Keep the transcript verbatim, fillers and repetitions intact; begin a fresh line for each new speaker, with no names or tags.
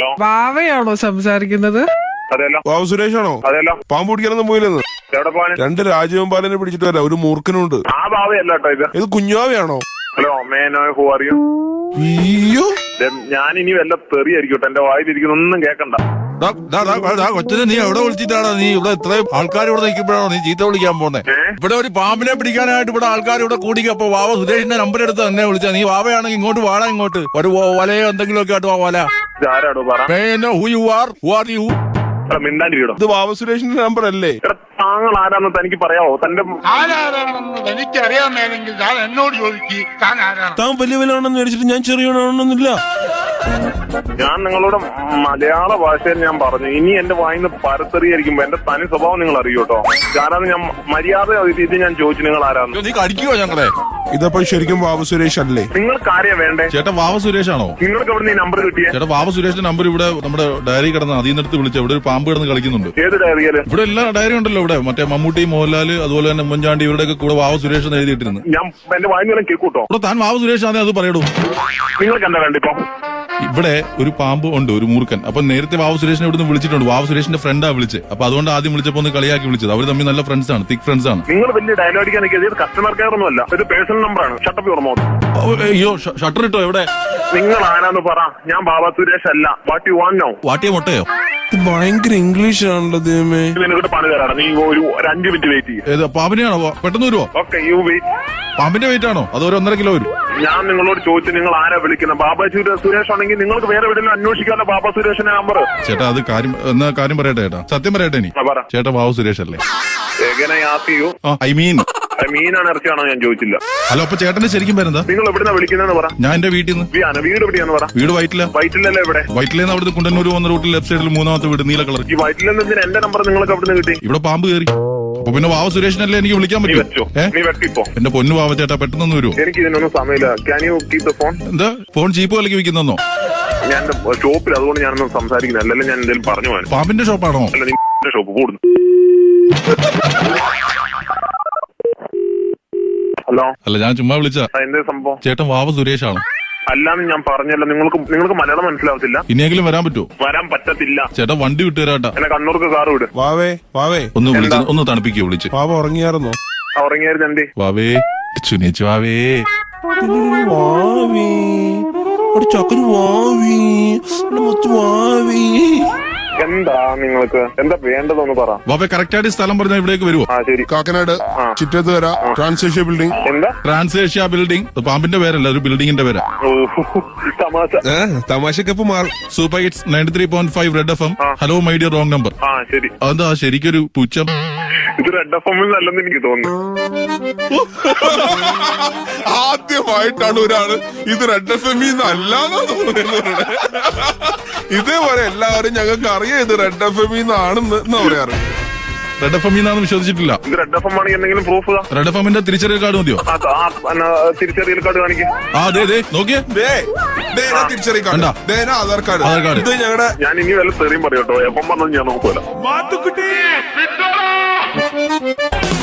Hello,
ബാവയാണോ സംസാരിക്കുന്നത്?
അതെല്ലോ.
ബാബു സുരേഷാണോ?
അതെല്ലോ.
പാമ്പ് പിടിക്കാനൊന്നും പോയില്ലെന്ന്.
എവിടെ പോവാൻ?
രണ്ട് രാജവെമ്പാലിനെ പിടിച്ചിട്ട് വരാം, ഒരു മൂർഖനുണ്ട്.
ആ ബാവയല്ല കേട്ടോ ഇത്.
ഇത് കുഞ്ഞാവയാണോ?
ഹലോ, മേനോ ഹു ആർ യു?
അയ്യോ,
ഞാൻ ഇനി വല്ല തെറിയായിരിക്കട്ടെ, എന്റെ വായിലിരിക്കുന്ന ഒന്നും കേക്കണ്ട.
കൊച്ചിനെ നീ എവിടെ വിളിച്ചിട്ടാണോ നീ ഇവിടെ ഇത്രയും ആൾക്കാർ ഇവിടെ നിൽക്കുമ്പോഴാണോ നീ ചീത്ത വിളിക്കാൻ പോന്നെ? ഇവിടെ ഒരു പാമ്പിനെ പിടിക്കാനായിട്ട് ഇവിടെ ആൾക്കാർ ഇവിടെ കൂടിക്ക. അപ്പൊ വാവ സുരേഷിന്റെ നമ്പർ എടുത്ത് എന്നെ വിളിച്ചാ. നീ വാവയാണെങ്കിൽ ഇങ്ങോട്ട് വാടാ, ഇങ്ങോട്ട് ഒരു വലയോ എന്തെങ്കിലും ഒക്കെ ആയിട്ട് വല.
ആരാടോ പറ?
Who you are who are you
മിണ്ടാണ്ടിരിക്കടോ.
ഇത് ബാബു സുരേഷിന്റെ നമ്പർ അല്ലേ?
താങ്കൾ ആരാന്ന് തനിക്ക് പറയാവോ? തന്റെ
ആരാണെന്ന് എനിക്കറിയാമെങ്കിൽ ഞാൻ എന്നോട് ചോദിക്ക്, താൻ ആരാണ്?
താൻ വലിയ വിലയാണെന്ന് മേടിച്ചിട്ട് ഞാൻ ചെറിയവനാണെന്നില്ല.
ഞാൻ നിങ്ങളോട് മലയാള ഭാഷയിൽ ഞാൻ പറഞ്ഞു. ഇനി എന്റെ വായിന്ന് പരത്തെറിയായിരിക്കുമ്പോ എന്റെ തനി സ്വഭാവം നിങ്ങൾ അറിയൂ കേട്ടോ. ഞാനത് ഞാൻ മര്യാദ ഇത് ഞാൻ ചോദിച്ചു, നിങ്ങൾ ആരാന്ന്.
നീ കടിക്കുവോ ഞങ്ങളെ?
ഇതപ്പോ ശരിക്കും ബാബു സുരേഷ് അല്ലേ?
നിങ്ങൾക്ക് ആരെയാ വേണ്ടേ?
ചേട്ടാ വാവ സുരേഷാണോ?
നിങ്ങൾക്ക് എവിടെ ഈ നമ്പർ കിട്ടിയേ?
ചേട്ടാ വാവ സുരേഷിന്റെ നമ്പർ ഇവിടെ നമ്മുടെ ഡയറി കിടന്ന് അതിൽ നിന്നെടുത്ത് വിളിച്ച. ഇവിടെ ഒരു പാമ്പ് കിടന്ന് കളിക്കുന്നുണ്ട്.
ഏത് ഡയറിയല്?
ഇവിടെ എല്ലാ ഡയറി ഉണ്ടല്ലോ. ഇവിടെ മറ്റേ മമ്മൂട്ടി, മോഹൻലാല്, അതുപോലെ തന്നെ ഉമ്മൻചാണ്ടി, ഇവരുടെയൊക്കെ കൂടെ വാവ സുരേഷ് എന്ന് എഴുതിയിട്ടിരുന്നു.
ഞാൻ എന്റെ വായിന്ന് കേൾക്കൂട്ടോ.
ഇവിടെ താൻ വാവ സുരേഷ് ആണേ അത് പറയടൂ.
നിങ്ങൾക്ക് എന്താ വേണ്ട ഇപ്പൊ?
ഇവിടെ ഒരു പാമ്പ് ഉണ്ട്, ഒരു മൂർഖൻ. അപ്പൊ നേരത്തെ വാവു സുരേഷിനെ ഇവിടുന്ന് വിളിച്ചിട്ടുണ്ട്. വാവു സുരേഷിന്റെ ഫ്രണ്ടാ വിളിച്ചത്. അപ്പൊ അതുകൊണ്ട് ആദ്യം വിളിച്ചപ്പോ ഒന്ന് കളിയാക്കി വിളിച്ചത്. അവർ തമ്മിൽ നല്ല ഫ്രണ്ട്സ് ആണ്, തിക് ഫ്രണ്ട്സ് ആണ്.
നിങ്ങൾ വലിയ ഡയലോഗ് അടിക്കാൻ ഇത് കസ്റ്റമർ കെയർ ഒന്നും അല്ല, ഇത് പേഴ്സണൽ നമ്പറാണ്. Shut up your mouth.
അയ്യോ, ഷട്ടർ ഇട്ടോ? എവിടെ?
നിങ്ങൾ ആരാന്ന് പറ. ഞാൻ ബാബ സുരേഷ് അല്ല. What you want now?
വാട്ടിയ മുട്ടയോ?
ഇത് ഭയങ്കര ഇംഗ്ലീഷ് ആണല്ലോ ദൈവമേ.
നിനക്കിട്ട് പണി തരാണ്. നീ ഒരു ഒരു അഞ്ചു മിനിറ്റ് വെയിറ്റ് ചെയ്യും.
ഏത് പാമ്പിനെയാണോ? പെട്ടെന്ന് വരുവോ?
Okay, you wait.
പാമ്പിന്റെ വെയിറ്റ് ആണോ? അത് ഒരു ഒന്നര കിലോ വരും.
ഞാൻ നിങ്ങളോട് ചോദിച്ചു, നിങ്ങൾ ആരാ വിളിക്കുന്നത്? ബാബ സുരേഷ് ആണെങ്കിൽ നിങ്ങൾക്ക് വേറെ എവിടെയെങ്കിലും അന്വേഷിക്കാമല്ലോ ബാബ സുരേഷിന്റെ നമ്പർ.
ചേട്ടാ അത് കാര്യം എന്നാ കാര്യം പറയട്ടെ ചേട്ടാ, സത്യം പറയട്ടെ. ഇനി ചേട്ടാ വാവു സുരേഷ് അല്ലേ? ഐ മീൻ
മീനാണ് ഇറച്ചിയാണോ ഞാൻ ചോദിച്ചില്ല.
ഹലോ, അപ്പൊ ചേട്ടന്റെ ശരിക്കും വരുന്നതാ?
നിങ്ങൾ എവിടുന്ന വിളിക്കുന്നതെന്ന് പറ.
ഞാൻ എന്റെ വീട്ടിൽ നിന്ന്.
വീട് എവിടെയാന്ന് പറ.
വീട് വൈറ്റില.
വൈറ്റിലല്ലേ? എവിടെ?
വൈറ്റിലെന്ന് അവിടുത്തെ കുണ്ടന്നൂർ വന്ന റൂട്ടിൽ ലെഫ്റ്റ് സൈഡിൽ മൂന്നാമത്തെ വീട്, നീല കളർ.
ഈ വൈറ്റിലെന്ന് എന്റെ നമ്പർ നിങ്ങൾക്ക് എവിടുന്ന് കിട്ടി?
ഇവിടെ പാമ്പ് കയറി. അപ്പൊ പിന്നെ വാവ സുരേഷിനല്ലേ എനിക്ക് വിളിക്കാൻ പറ്റും.
നീ വെക്കിപ്പോ.
എന്റെ പൊന്നു വാവ ചേട്ടാ, പെട്ടെന്ന് വരുമോ?
എനിക്ക് ഇതിനൊന്നും സമയമില്ല. Can you keep the phone?
എന്താ ഫോൺ ചീപ്പ് വിലക്ക് വിൽക്കുന്നോ?
ഞാൻ ഷോപ്പിൽ, അതുകൊണ്ട് ഞാനൊന്നും സംസാരിക്കുന്നത്. അല്ലെങ്കിൽ ഞാൻ എന്തെങ്കിലും പറഞ്ഞു പോകാൻ.
പാമ്പിന്റെ ഷോപ്പാണോ?
അല്ല, നിന്റെ ഷോപ്പ് കൂടുന്നു. ഹലോ.
അല്ല, ഞാൻ ചുമ്മാ വിളിച്ച.
എന്താ സംഭവം?
ചേട്ടൻ വാവ സുരേഷ് ആണ്.
അല്ലാന്ന് ഞാൻ പറഞ്ഞല്ലോ. നിങ്ങൾക്ക് നിങ്ങൾക്ക് മലയാളം മനസ്സിലാവത്തില്ല.
ഇനിയെങ്കിലും വരാൻ പറ്റുമോ?
വരാൻ പറ്റത്തില്ല.
ചേട്ടാ വണ്ടി വിട്ടു തരാട്ടാ.
എന്നെ കണ്ണൂർക്ക് കാറ് വിട്.
വാവേ വാവേ
ഒന്ന് വിളിച്ച് ഒന്ന് തണുപ്പിക്കോ വിളിച്ച്.
വാവ ഉറങ്ങിയായിരുന്നോ?
ഉറങ്ങിയായിരുന്നു. എന്തേ
വാവേ ചുനേച്ചു വാവേ
വാവേ ഒരു ചക്കന് വാവേ വാവേ.
എന്താ നിങ്ങൾക്ക് എന്താ വേണ്ടതെന്ന് പറ.
വാവേ കറക്റ്റ് ആയിട്ട് സ്ഥലം പറഞ്ഞാൽ ഇവിടേക്ക് വരുമോ?
ആ ശരി.
Kakkanad Chittethukara Transasia building.
എന്താ
ട്രാൻസേഷ്യ ബിൽഡിംഗ്? പാമ്പിന്റെ പേരല്ല, ഒരു ബിൽഡിങ്ങിന്റെ പേരാ.
തമാശ
തമാശക്കപ്പ് മാറും.
Super hits ninety three point five red F M. Hello my dear wrong number.
ആ ശരി.
അതെന്താ ശരിക്കൊരു പുച്ഛം?
ഇത് റെഡ് എഫ് എമ്മിൽ നല്ലെന്ന് എനിക്ക് തോന്നുന്നു.
ആദ്യമായിട്ടാണ് ഒരാള് ഇത് റെഡ് എഫ് എം അല്ലാന്നോ തോന്നുന്നത്. ഇതേപോലെ എല്ലാവരും ഞങ്ങൾക്ക് അറിയാം ഇത് റെഡ് എഫ് എം ആണെന്ന് എന്നാ പറയാറ്.
റെഡ് എഫ് എം എന്നാന്ന് വിശ്വസിച്ചിട്ടില്ല.
ഇത് റെഡ് എഫ് എം ആണെങ്കിൽ എന്തെങ്കിലും പ്രൂഫ്?
റെഡ് എഫ് എമ്മിന്റെ തിരിച്ചറിയൽ കാർഡ് മതിയോ?
തിരിച്ചറിയൽ കാർഡ് കാണിക്കും.
ആ അതെ അതെ നോക്കിയേ,
തിരിച്ചറിയ card, Aadhaar card.
Aadhaar card.
ഇത് ഞങ്ങളുടെ.
ഞാൻ ഇനി വല്ല തെറിയും പറയട്ടോ. എപ്പം പറഞ്ഞത് ഞാൻ നോക്കൂല.
മാത്തുക്കുട്ടി